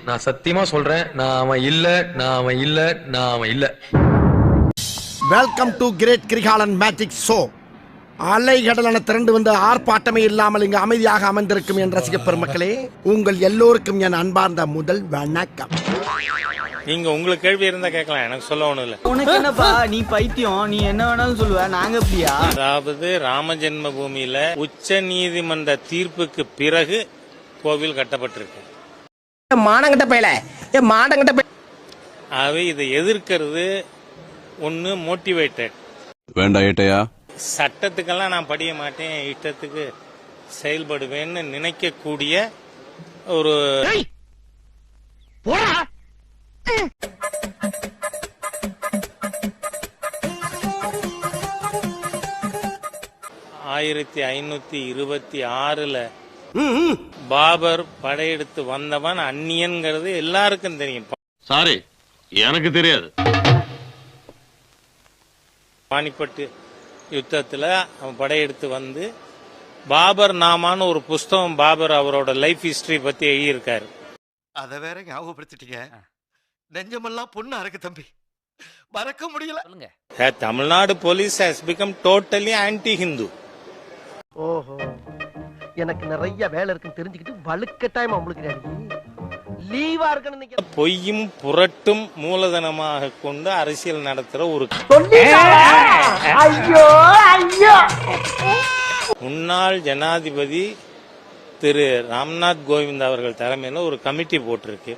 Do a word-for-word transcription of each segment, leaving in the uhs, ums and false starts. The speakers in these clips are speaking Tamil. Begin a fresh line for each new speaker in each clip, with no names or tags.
நான் சத்தியமா சொல்றேன், நான் அவன் இல்ல, நான் அவன் இல்ல, நான் அவன் இல்ல.
Welcome to great Kirikalan magic show. அலைகடலான திரண்டு வந்து ஆர்ப்பாட்டமே இல்லாமல் இங்கு அமைதியாக அமர்ந்திருக்கும் என் ரசிக பெருமக்களே, உங்கள் எல்லோருக்கும் என் அன்பார்ந்த முதல் வணக்கம்.
நீங்க உங்களுக்கு கேள்வி இருந்தா கேட்கலாம், எனக்கு சொல்ல ஒண்ணும் இல்ல.
உனக்கு என்னப்பா, நீ பைத்தியம், நீ என்ன வேணாலும் சொல்லுவ, நாங்க அப்படியா?
அதாவது ராம ஜென்ம பூமியில உச்ச நீதிமன்ற தீர்ப்புக்கு பிறகு கோவில் கட்டப்பட்டிருக்கு.
மானங்கட்ட பையல, ஏ மானங்கட்ட பையல.
ஆகவே இதை எதிர்க்கிறது ஒன்னு மோட்டிவேட்டட்.
வேண்டாம் ஏட்டையா,
சட்டத்துக்கெல்லாம் நான் படிய மாட்டேன், இஷ்டத்துக்கு செயல்படுவேன்னு நினைக்கக்கூடிய ஒரு ஆயிரத்தி ஐநூத்தி இருபத்தி ஆறுல பாபர் படையெடுத்து வந்தவன் அந்நியன்கிறது எல்லாருக்கும் தெரியும்.
சாரி, எனக்கு தெரியாது.
பானிப்பட்டு யுத்தத்துல அவன் படையெடுத்து வந்து பாபர் நாமான்னு ஒரு புஸ்தகம் பாபர் அவரோட லைஃப் ஹிஸ்டரி பத்தி எழுதியிருக்காரு.
அத வேற ஞாபகப்படுத்திட்டீங்க. நெஞ்சமெல்லாம் பொண்ணு அறக்கு தம்பி, மறக்க முடியல.
Tamil Nadu police has become totally anti Hindu.
ஓஹோ, எனக்கு நிறைய வேலை இருக்குன்னு தெரிஞ்சுக்கிட்டு வலுக்கட்டாயமா உங்களுக்கு லீவா இருக்கணும்.
பொய்யும் புரட்டும் மூலதனமாக கொண்டு அரசியல் நடத்துற ஒரு முன்னாள் ஜனாதிபதி திரு ராம்நாத் கோவிந்த் அவர்கள் தலைமையில ஒரு கமிட்டி போட்டிருக்கு.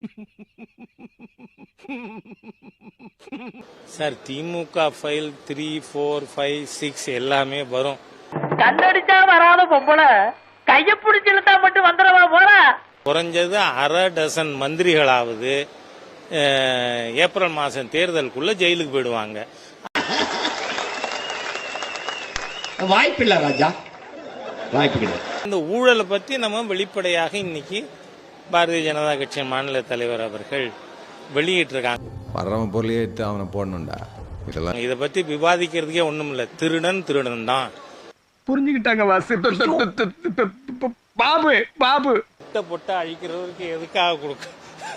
Sir, DMK file three four five six எல்லாமே வரும்.
கண்ணடிச்சா வராத பொம்பளை கைய பிடிச்சிருந்தா மட்டும் வந்துடவா போற.
குறைஞ்சது அரை டசன் மந்திரிகளாவது ஏப்ரல் மாசம் தேர்தலுக்குள்ள ஜெயிலுக்கு போயிடுவாங்க.
வாய்ப்பில்லை ராஜா, வாய்ப்பு.
இந்த ஊழலை பத்தி நம்ம வெளிப்படையாக இன்னைக்கு பாரதிய ஜனதா கட்சியின் மாநில தலைவர் அவர்கள் வெளியிட்டு இருக்காங்க.
வர்றவன் பொருளையே எடுத்து அவனை போடணும்டா. இதெல்லாம்
இதை பத்தி விவாதிக்கிறதுக்கே ஒண்ணும் இல்ல. திருடன் திருடன் தான்
புரிஞ்சுக்கிட்டாங்க பாபு. பாபு
பொட்ட அழிக்கிறவருக்கு எதுக்காக கொடுக்க?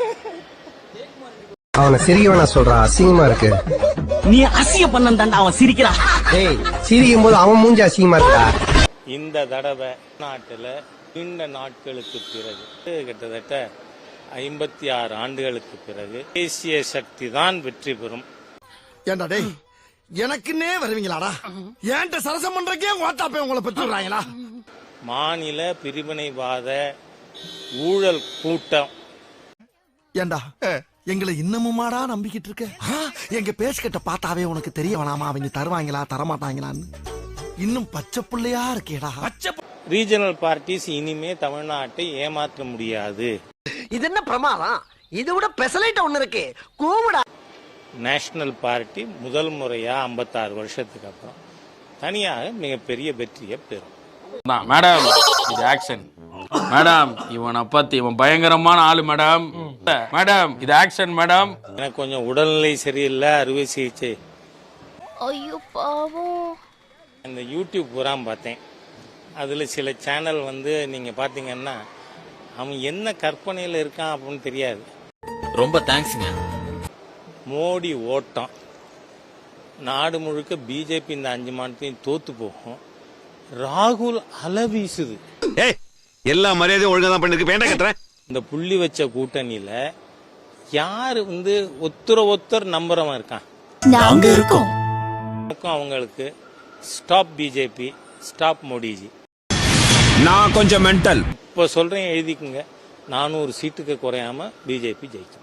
அவனை சிரிக்கவனா சொல்றா, அசிங்கமா இருக்கு.
நீ அசிங்க பண்ண அவன் சிரிக்கிறான்.
டேய், சிரிக்கும் போது அவன் மூஞ்சி அசிங்கமா இருக்கா.
இந்த தடவை நாட்டுல நீண்ட நாட்களுக்கு பிறகு, கிட்டத்தட்ட ஐம்பத்தி ஆறு ஆண்டுகளுக்கு பிறகு தேசிய சக்தி தான் வெற்றி பெறும்.
ஏண்டா டேய், எனக்குன்னே வருவீங்களாடா? ஏன்ட்ட சரசம் பண்றக்கே ஓட்டாப்பே உங்களை பெற்றுறாங்களா?
மாநில பிரிவினைவாத ஊழல் கூட்டம்.
ஏண்டா எங்களை இன்னமுமாடா நம்பிக்கிட்டு இருக்க? எங்க பேசிக்கிட்ட பார்த்தாவே உனக்கு தெரிய வேணாமா அவங்க தருவாங்களா தரமாட்டாங்களான்னு? இன்னும் பச்சை பிள்ளையா இருக்கேடா.
ரீஜனல் பார்ட்டிஸ் இனிமே தமிழ்நாட்டை ஏமாற்ற முடியாது.
இது என்ன பிரமாதம்? இது விட பெசலைட் ஒண்ணு இருக்கு, கூவுடா.
நேஷனல் பார்ட்டி முதல் முறையா ஐம்பத்தாறு வருஷத்துக்கு அப்புறம் தனியாக மிகப்பெரிய வெற்றியை பெறும்.
மேடம், இது ஆக்ஷன். மேடம், இவனை பத்தி இவன் பயங்கரமான ஆளு மேடம். மேடம், இது ஆக்ஷன் மேடம்.
எனக்கு கொஞ்சம் உடல்நிலை சரியில்லை, அறுவை சிகிச்சை.
ஐயோ பாவம்.
இந்த யூடியூப் பூரா பார்த்தேன். அதுல சில சேனல் வந்து நீங்க பாத்தீங்கன்னா அவன் என்ன கற்பனையில இருக்கான் அப்படின்னு தெரியாது.
ரொம்ப தேங்க்ஸ்ங்க.
மோடி ஓட்டம் நாடு முழுக்க பிஜேபி இந்த அஞ்சு மாநிலத்தையும் தோத்து போகும். ராகுல் அலை வீசுது.
எல்லா மரியாதையும் ஒழுங்கா தான் பண்ணிருக்கு. வேண்டாம் கட்டுறேன்.
இந்த புள்ளி வச்ச கூட்டணியில யாரு வந்து ஒத்துர ஒத்தர் நம்புறவன் இருக்கான்?
நாங்க இருக்கோம்.
அவங்களுக்கு ஸ்டாப் பிஜேபி, ஸ்டாப் மோடிஜி.
நான் கொஞ்சம் மென்டல்.
இப்ப சொல்றேன், எழுதிக்குங்க. நானூறு சீட்டுக்கு குறையாம பிஜேபி ஜெயிக்கும்.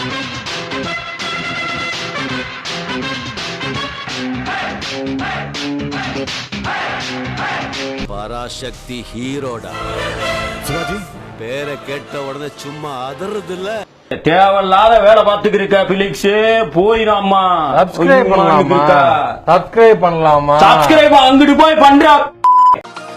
பராசக்தி ஹீரோடா. பேரை கேட்ட உடனே சும்மா அதறது இல்ல.
தேவையில்லாத வேலை பார்த்துக்கிருக்க பிலிக்ஸ், போயிடாமா.
சப்ஸ்கிரைப் பண்ணலாமா? சப்ஸ்கிரைப் பண்ணலாமா?
சப்ஸ்கிரைப் அங்கிட்டு போய் பண்ற.